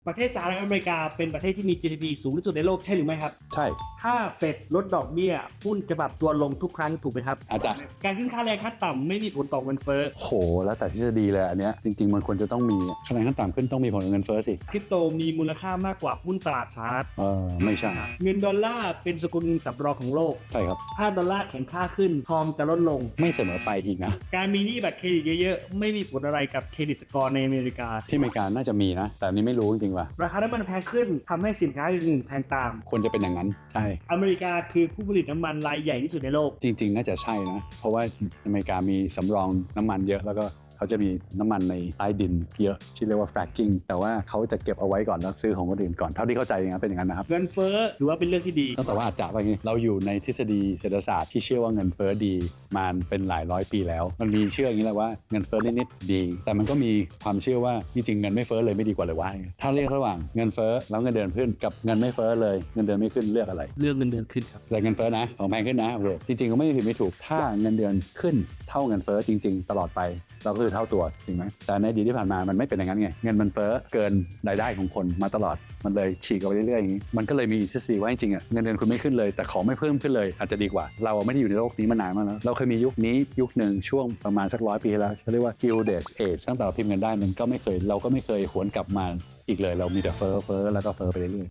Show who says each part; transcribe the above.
Speaker 1: ประเทศสหรัฐอเมริกาเป็นประเทศที่มี GDP สูงที่สุดในโลกใช่หรือไม่ครับ
Speaker 2: ใช่
Speaker 1: ถ้าเฟดลดดอกเบี้ยหุ้นจะปรับตัวลงทุกครั้งถูกไหมครับ
Speaker 2: อาจารย์
Speaker 1: การขึ้นค่าแรงขั้นต่ำไม่มีผลต่อเงินเฟ้อ
Speaker 2: โหแล้วแต่ทฤษฎีเลยอันเนี้ยจริงๆมันควรจะต้องมีคะแนนขั้นต่ำขึ้นต้องมีผลกับเงินเฟ้อสิ
Speaker 1: คริปโตมีมูลค่ามากกว่าหุ้นตลาดสหรัฐ
Speaker 2: ไม่ใช่
Speaker 1: เงินดอลลาร์เป็นสกุลเงินสำรองของโลก
Speaker 2: ใช่ครับ
Speaker 1: ถ้าดอลลาร์แข็งค่าขึ้นทองจะลดลง
Speaker 2: ไม่เสมอไปอีกนะ
Speaker 1: การมีหนี้บัตรเครดิตเยอะๆไม่มีผลอะไรกับเครดิตสกอร์ในอเมริกา
Speaker 2: ที่อเมริกาน่าจะมีนะ แต่อันนี้ไม่รู้จริงๆว่ะ
Speaker 1: ราคาน้ำมันแพงขึ้นทำให้สินค้าอื่นๆแพงตาม
Speaker 2: ควรจะเป็นอย่างนั้นใช่
Speaker 1: อเมริกาคือผู้ผลิตน้ำมันรายใหญ่ที่สุดในโลก
Speaker 2: จริงๆน่าจะใช่นะ เพราะว่าอเมริกามีสำรองน้ำมันเยอะแล้วก็เขาจะมีน้ำมันในใต้ดินเยอะที่เรียกว่า fracking แต่ว่าเขาจะเก็บเอาไว้ก่อนแล้วซื้อของคนอื่นก่อนเท่าที่เข้าใจอย่างนั้นเป็นอย่างนั้นนะครับ
Speaker 1: เงินเฟ้อถือว่าเป็นเรื่องที่ดี
Speaker 2: แต่ว่าอาจจะว่าอย่างนี้เราอยู่ในทฤษฎีเศรษฐศาสตร์ที่เชื่อว่าเงินเฟ้อดีมาเป็นหลายร้อยปีแล้ว มันมีเชื่ออย่างนี้แหละว่าเงินเฟ้อนิดๆดี แต่มันก็มีความเชื่อว่าจริงๆเงินไม่เฟ้อเลยไม่ดีกว่าเลยวะถ้าเรียกระหว่างเงินเฟ้อแล้วเงินเดือนขึ้นกับเงินไม่เฟ้อเลยเงินเดือนไม่ขึ้นเลือกอะไร
Speaker 1: เรื่องเงินเดือนขึ้นครับ
Speaker 2: แต่เงินเฟ้อนะของแพงขึ้นนะโอเคจริงๆก็ไม่ผิดไม่ถูกถ้าเงินเดือนขึ้นเท่าเงินเฟ้อจริงๆตลอดไปเราก็คือเท่าตัวจริงไหมแต่ในอดีตที่ผ่านมามันไม่เป็นอย่างนั้นไงเงินมันเฟ้อเกินรายได้ของคนมาตลอดมันเลยฉีกออกไปเรื่อยๆอย่างนี้มันก็เลยมีทฤษฎีว่าจริงๆอ่ะเงินเดือนคุณไม่ขึ้นเลยแต่ของไม่เพิ่มขึ้นเลยอาจจะดีกว่าเราไม่ได้อยู่ในโลกนี้มานานมากแล้วเราเคยมียุคนี้ยุคหนึ่งช่วงประมาณสัก100 ปีแล้วเขาเรียกว่า Gilded Age ตั้งแต่เราพิมพ์เงินได้มันก็ไม่เคยเราก็ไม่เคยหวนกลับมาอีกเลยเรามีแต่เฟ้อแล้วก็เฟ้อไปเรื่อยๆ